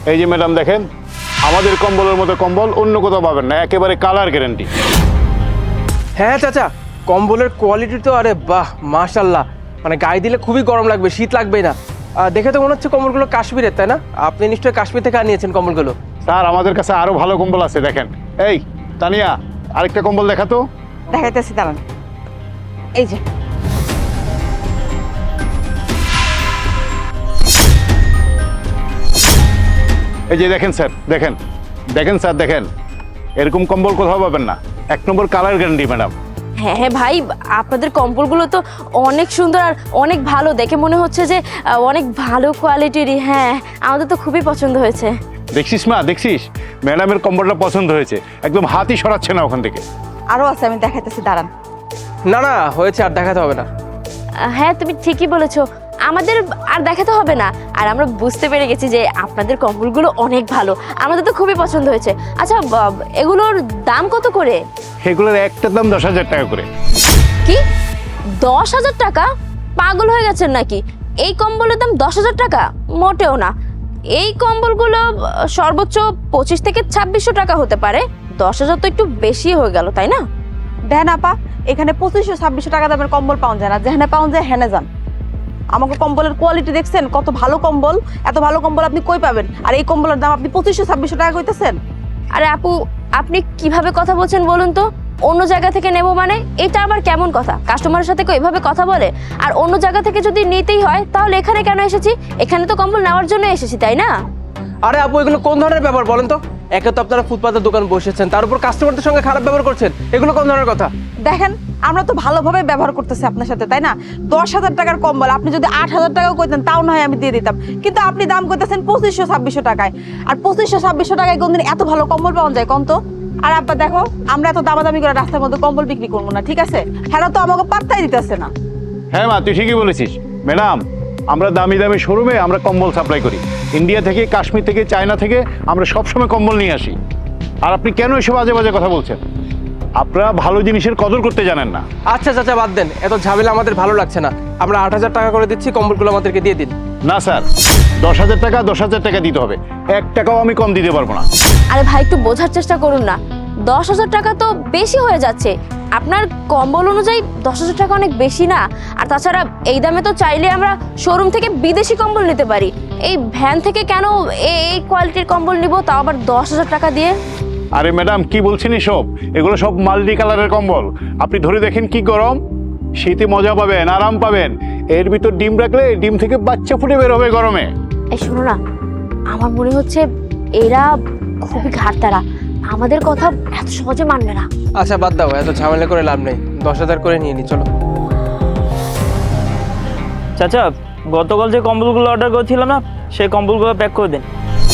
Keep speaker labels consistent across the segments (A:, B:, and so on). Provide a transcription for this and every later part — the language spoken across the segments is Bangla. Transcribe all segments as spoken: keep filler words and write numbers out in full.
A: এই যে ম্যাডাম দেখেন, আমাদের কম্বলের মতো কম্বল অন্য কোথাও পাবেন না, একেবারে কালার গ্যারান্টি।
B: হ্যাঁ চাচা, কম্বলের কোয়ালিটি তো আরে বাহ মাশাল্লাহ, মানে গায়ে দিলে খুবই গরম লাগবে, শীত লাগবেই না। আহ, দেখে তো মনে হচ্ছে কম্বলগুলো কাশ্মীরের, তাই না? আপনি নিশ্চয়ই কাশ্মীর থেকে আনিয়েছেন কম্বলগুলো।
A: স্যার আমাদের কাছে আরো ভালো কম্বল আছে, দেখেন। এই তানিয়া, আরেকটা কম্বল দেখা তো।
C: দেখাইতেছি দাঁড়ান, এই যে
A: এই যে দেখেন স্যার, দেখেন দেখেন স্যার, দেখেন এরকম কম্বল কোথাও পাবেন না, এক নম্বর কালার গ্যারান্টি ম্যাডাম।
D: হ্যাঁ হ্যাঁ ভাই, আপনাদের কম্বলগুলো তো অনেক সুন্দর আর অনেক ভালো, দেখে মনে হচ্ছে যে আহ, অনেক ভালো কোয়ালিটিরই। হ্যাঁ, আমাদের তো খুবই পছন্দ হয়েছে।
A: দেখছিস মা, দেখছিস ম্যাডামের কম্বলটা পছন্দ হয়েছে, একদম হাতই সরাচ্ছে না ওখান থেকে।
C: আরো আছে, আমি দেখাইতেছি দাঁড়ান।
B: না না হয়েছে, আর দেখাতে হবে না।
D: আহ, হ্যাঁ তুমি ঠিকই বলেছো, আমাদের আর দেখাতে হবে না। আর আমরা বুঝতে পেরে গেছি যে আপনাদের কম্বলগুলো অনেক ভালো, আমাদের তো খুবই পছন্দ হয়েছে। আচ্ছা বা- এগুলোর দাম কত করে?
A: এগুলোর একটার দাম দশ হাজার টাকা করে।
D: কি দশ হাজার টাকা? পাগল হয়ে গেছেন নাকি? এই কম্বলের দাম দশ হাজার টাকা? মোটেও না। এই কম্বলগুলো আহ, সর্বোচ্চ পঁচিশ থেকে ছাব্বিশশো টাকা হতে পারে। দশ হাজার তো একটু বেশি হয়ে গেল, তাই না?
C: দেন আপা, এখানে পঁচিশশো ছাব্বিশশো টাকা দামের কম্বল পাওয়া যায় না, যেখানে পাওয়া যায় হেনে যান। আমাকে কম্বলের কোয়ালিটি দেখছেন, কত ভালো কম্বল। এত ভালো কম্বল আপনি কই পাবেন? আর এই কম্বলের দাম আপনি পঁচিশশো ছাব্বিশশো টাকা কইতেছেন।
D: আরে আপু, আপনি কিভাবে কথা বলছেন বলুন তো? অন্য জায়গা থেকে নেব মানে এটা আবার কেমন কথা? কাস্টমারের সাথে কেউ এভাবে কথা বলে? আর অন্য জায়গা থেকে যদি নিতেই হয় তাহলে এখানে কেন এসেছি? এখানে তো কম্বল নেওয়ার জন্য এসেছি, তাই না?
B: আরে আপু, এগুলো কোন ধরনের ব্যাপার বলেন তো? একে তো আপনারা ফুটপাতের দোকান বসেছেন, তার উপর কাস্টমারদের সঙ্গে খারাপ ব্যবহার করছেন, এগুলো কোন ধরনের কথা?
C: দেখেন, আমরা তো ভালোভাবে ব্যবহার করতেছি আপনার সাথে, তাই না? দশ হাজার টাকার কম্বল আপনি যদি আট হাজার টাকাও কইতেন তাও না হয় আমি দিয়ে দিতাম, কিন্তু আপনি দাম কইতেছেন পঁচিশশো ছাব্বিশশো টাকায়। আর পঁচিশশো ছাব্বিশশো টাকায় কোনদিন এত ভালো কম্বল পাওয়া যায় কোন তো? আর আব্বা দেখো, আমরা এত দামাদামি করে রাস্তার মধ্যে কম্বল বিক্রি করবো না, ঠিক আছে? হ্যাঁ তো আমাকে পাত্তাই দিতেছে না।
A: হ্যাঁ মা, তুই ঠিকই বলেছিস। ম্যাডাম, আমরা দামি দামি শোরুমে আমরা কম্বল সাপ্লাই করি, ইন্ডিয়া থেকে, কাশ্মীর থেকে, চায়না থেকে আমরা সবসময় কম্বল নিয়ে আসি। আর আপনি কেন এসব বাজে বাজে কথা বলছেন? আপনারা ভালো জিনিসের কদর করতে জানেন না।
B: আচ্ছা চাচা বাদ দেন, এত ঝামেলা আমাদের ভালো লাগছে না। আমরা আট হাজার টাকা করে দিচ্ছি, কম্বলগুলো আমাদেরকে দিয়ে দিন।
A: না স্যার, দশ হাজার টাকা দশ হাজার টাকা দিতে হবে, এক টাকাও আমি কম দিতে পারবো না।
D: আরে ভাই, একটু বোঝার চেষ্টা করুন না। দশ হাজার টাকা তো বেশি হয়ে যাচ্ছে। আপনার কম্বল অনুযায়ী দশ হাজার টাকা অনেক বেশি না? আর তাছাড়া এই দামে তো চাইলে আমরা শোরুম থেকে বিদেশি কম্বল নিতে পারি। এই ভ্যান থেকে কেন এই এই কোয়ালিটির কম্বল নিব, তাও আবার দশ হাজার টাকা দিয়ে?
A: আরে ম্যাডাম, কি বলছেন এসব? এগুলো সব মাল্টি কালারের কম্বল, আপনি ধরে দেখেন কি গরম। শীতে মজা পাবেন, আরাম পাবেন। এর ভিতর ডিম রাখলে ডিম থেকে বাচ্চা ফুটে বের হবে গরমে।
D: এই শোনো না, আমার মনে হচ্ছে এরা খুবই ঘাটতারা, আমাদের কথা এত সহজে মানবে না।
B: আচ্ছা বাদ দাও, এত ঝামেলা করে লাভ নেই, দশ হাজার করে নিয়ে নি, চলো।
E: চাচা, গতকাল যে কম্বলগুলো অর্ডার করেছিলাম না, সেই কম্বলগুলো প্যাক করে দিন।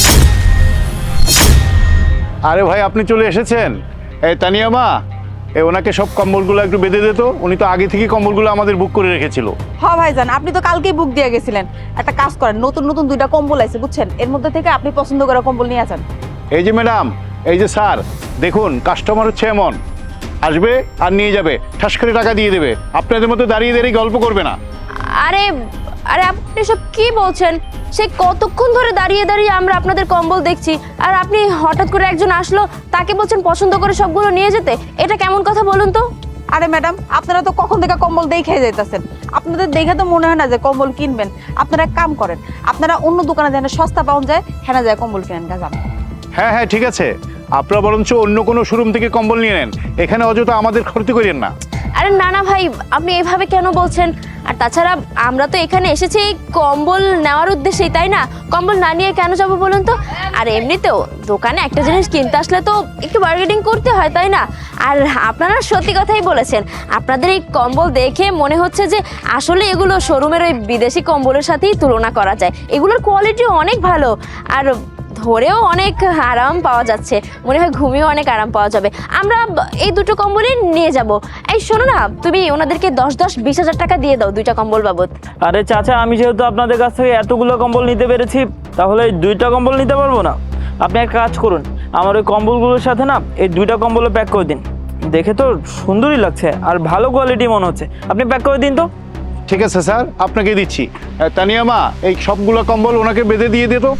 A: আরে ভাই, আপনি চলে এসেছেন। এই তানিয়া মা, এ ওনাকে সব কম্বলগুলো একটু বেঁধে দিত, উনি তো আগে থেকেই কম্বলগুলো আমাদের বুক করে রেখেছিল।
C: হ ভাইজান, আপনি তো কালকেই বুক দিয়ে গেছিলেন। একটা কাজ করেন, নতুন নতুন দুইটা কম্বল আছে বুঝছেন, এর মধ্যে থেকে আপনি পছন্দ করা কম্বল নিয়ে আসেন।
A: এই যে ম্যাডাম, এই যে স্যার, দেখুন কাস্টমার হচ্ছে এমন, আসবে আর নিয়ে যাবে, ঠাস করে টাকা দিয়ে দেবে, আপনাদের মতো দাঁড়িয়ে দাঁড়িয়ে গল্প করবে না।
D: আরে আরে আপনি সব কি বলছেন? সে কতক্ষণ ধরে দাঁড়িয়ে দাঁড়িয়ে আমরা আপনাদের কম্বল দেখছি, আর আপনি হঠাৎ করে একজন আসলো, তাকে বলছেন পছন্দ করে সবগুলো নিয়ে যেতে? এটা কেমন কথা বলুন তো?
C: আরে ম্যাডাম, আপনারা তো কখন থেকে কম্বল দেখে যাইতেছেন, আপনাদের দেখে তো মনে হয় না যে কম্বল কিনবেন। আপনারা এক কাম করেন, আপনারা অন্য দোকানে যেন সস্তা পাওয়া যায় হেনা যায় কম্বল কিনেন গাজান।
A: হ্যাঁ হ্যাঁ ঠিক আছে, আপনারা বরঞ্চ অন্য কোনো শোরুম থেকে কম্বল নিয়ে নেন, এখানে অযথা আমাদের ক্ষতি করেন না।
D: আরে না না ভাই, আপনি এভাবে কেন বলছেন? আর তাছাড়া আমরা তো এখানে এসেছি এই কম্বল নেওয়ার উদ্দেশ্যেই, তাই না? কম্বল না নিয়ে কেন যাবো বলুন তো? আর এমনিতেও দোকানে একটা জিনিস কিনতে আসলে তো একটু বার্গেনিং করতে হয়, তাই না? আর আপনারা সত্যি কথাই বলেছেন, আপনাদের এই কম্বল দেখে মনে হচ্ছে যে আসলে এগুলো শোরুমের ওই বিদেশি কম্বলের সাথেই তুলনা করা যায়। এগুলোর কোয়ালিটি অনেক ভালো, আর ধরেও অনেক আরাম পাওয়া যাচ্ছে, মনে হয় ঘুমিয়েও অনেক আরাম পাওয়া যাবে। আমরা এই দুটো কম্বলই নিয়ে যাব। এই শোনো না, তুমি ওনাদেরকে দশ দশ বিশ হাজার টাকা দিয়ে দাও দুইটা কম্বল বাবদ।
E: আরে চাচা, আমি যেহেতু আপনাদের কাছ থেকে এতগুলো কম্বল নিতে পেরেছি, তাহলে এই দুইটা কম্বল নিতে পারবো না? আপনি এক কাজ করুন, আমার ওই কম্বলগুলোর সাথে না এই দুইটা কম্বলও প্যাক করে দিন। দেখে তো সুন্দরই লাগছে আর ভালো কোয়ালিটি মনে হচ্ছে, আপনি প্যাক করে দিন তো।
A: ঠিক আছে স্যার, আপনাকে দিচ্ছি। তানিয়া মা, এই সবগুলো কম্বল ওনাকে বেঁধে দিয়ে দিত।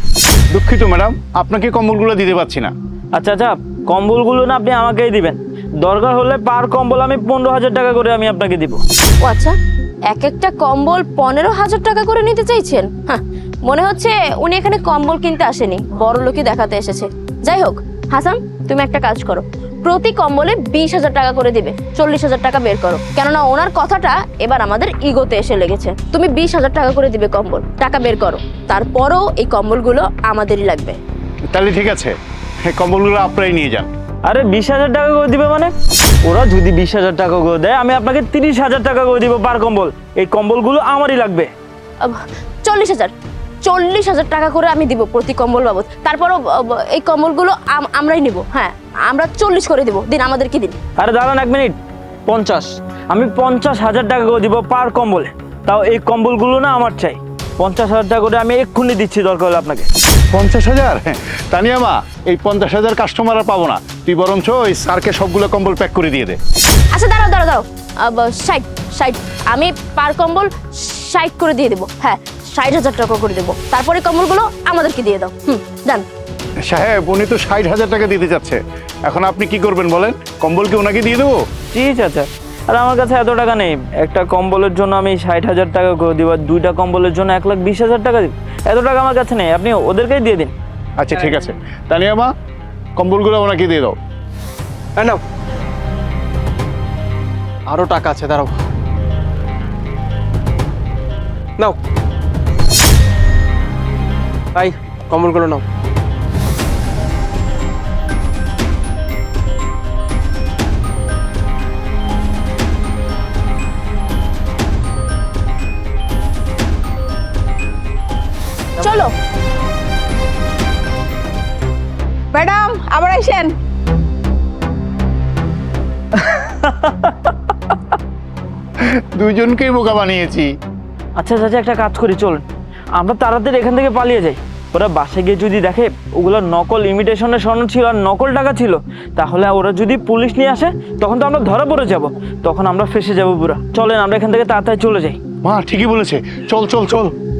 A: দুঃখিত ম্যাডাম, আপনাকে কম্বলগুলো দিতে পারছি না।
E: আচ্ছা আচ্ছা, কম্বলগুলো না আপনি আমাকেই দিবেন। দরকার হলে পার কম্বল আমি পনেরো হাজার টাকা করে আমি আপনাকে দিব।
D: ও আচ্ছা, এক একটা কম্বল পনেরো হাজার টাকা করে নিতে চাইছেন? হ্যাঁ, মনে হচ্ছে উনি এখানে কম্বল কিনতে আসেনি, বড় লোকই দেখাতে এসেছে। যাই হোক হাসান, তুমি একটা কাজ করো, প্রতি কম্বলে বিশ হাজার টাকা করে দিবে, চল্লিশ হাজার টাকা বের করো, কেননা ওনার কথাটা এবার আমাদের ইগোতে এসে লেগেছে। তুমি বিশ হাজার টাকা করে দিবে কম্বল, টাকা বের করো। তারপরও এই কম্বলগুলো আমাদেরই লাগবে।
A: তাহলে ঠিক আছে, এই কম্বলগুলো আপনারাই নিয়ে যান।
E: আরে বিশ হাজার টাকা করে দিবে মানে? ওরা যদি বিশ হাজার টাকা করে দেয়, আমি আপনাকে তিরিশ হাজার টাকা করে দিব পার কম্বল। এই কম্বলগুলো আমারই লাগবে।
D: আহ, চল্লিশ হাজার চল্লিশ হাজার টাকা করে আমি দিব প্রতি কম্বল বাবদ। তারপরও আহ, এই কম্বলগুলো আম- আমরাই নিব। হ্যাঁ, আমরা চল্লিশ করে দিব, দিন আমাদেরকে দিন।
E: আরে দাঁড়ান এক মিনিট, পঞ্চাশ, আমি পঞ্চাশ হাজার টাকা করে দিব পার কম্বলে। তাও এই কম্বলগুলো না আমার চাই। পঞ্চাশ হাজার টাকা করে আমি এক্ষুনি দিচ্ছি, দরকার হলে আপনাকে।
A: পঞ্চাশ হাজার? তানিয়া মা, এই পঞ্চাশ হাজার কাস্টমার আর পাবো না। তুই বরঞ্চ ওই স্যারকে সবগুলো কম্বল প্যাক করে দিয়ে দে।
D: আচ্ছা দাঁড়াও দাঁড়াও দাঁড়াও, ষাট ষাট আমি পার কম্বল ষাট করে দিয়ে দেবো। হ্যাঁ, ষাট হাজার টাকা করে দেবো। তারপরে কম্বলগুলো আমাদেরকে দিয়ে দাও। হুম, যান।
A: সাহেব, উনি তো ষাট হাজার টাকা দিতে চাচ্ছে, এখন আপনি কি করবেন বলেন? কম্বল কি ওনাকে দিয়ে দেবো?
E: ঠিক আছে, আর আমার কাছে এত টাকা নেই। একটা কম্বলের জন্য আমি ষাট হাজার টাকা করে দিব, আর দুইটা কম্বলের জন্য এক লাখ বিশ হাজার টাকা দিব। এত টাকা আমার কাছে নেই, আপনি ওদেরকেই দিয়ে দিন।
A: আচ্ছা ঠিক আছে, তানিয়া মা, কম্বলগুলো ওনাকে দিয়ে দাও।
B: হ্যাঁ নাও, আরো টাকা আছে, দাঁড়াও। নাও ভাই, কম্বলগুলো নাও।
D: চলো।
C: ম্যাডাম আবার আসেন।
A: দুইজনকেই বোকা বানিয়েছি।
E: আচ্ছা চাচা, একটা কাজ করি, চলুন আমরা তাড়াতাড়ি এখান থেকে পালিয়ে যাই। ওরা বাসে গিয়ে যদি দেখে ওগুলো নকল ইমিটেশনের স্বর্ণ ছিল আর নকল টাকা ছিল, তাহলে ওরা যদি পুলিশ নিয়ে আসে তখন তো আমরা ধরা পড়ে যাব, তখন আমরা ফেসে যাব পুরো। চলেন আমরা এখান থেকে তাড়াতাড়ি চলে যাই।
A: মা ঠিকই বলেছে, চল চল চল।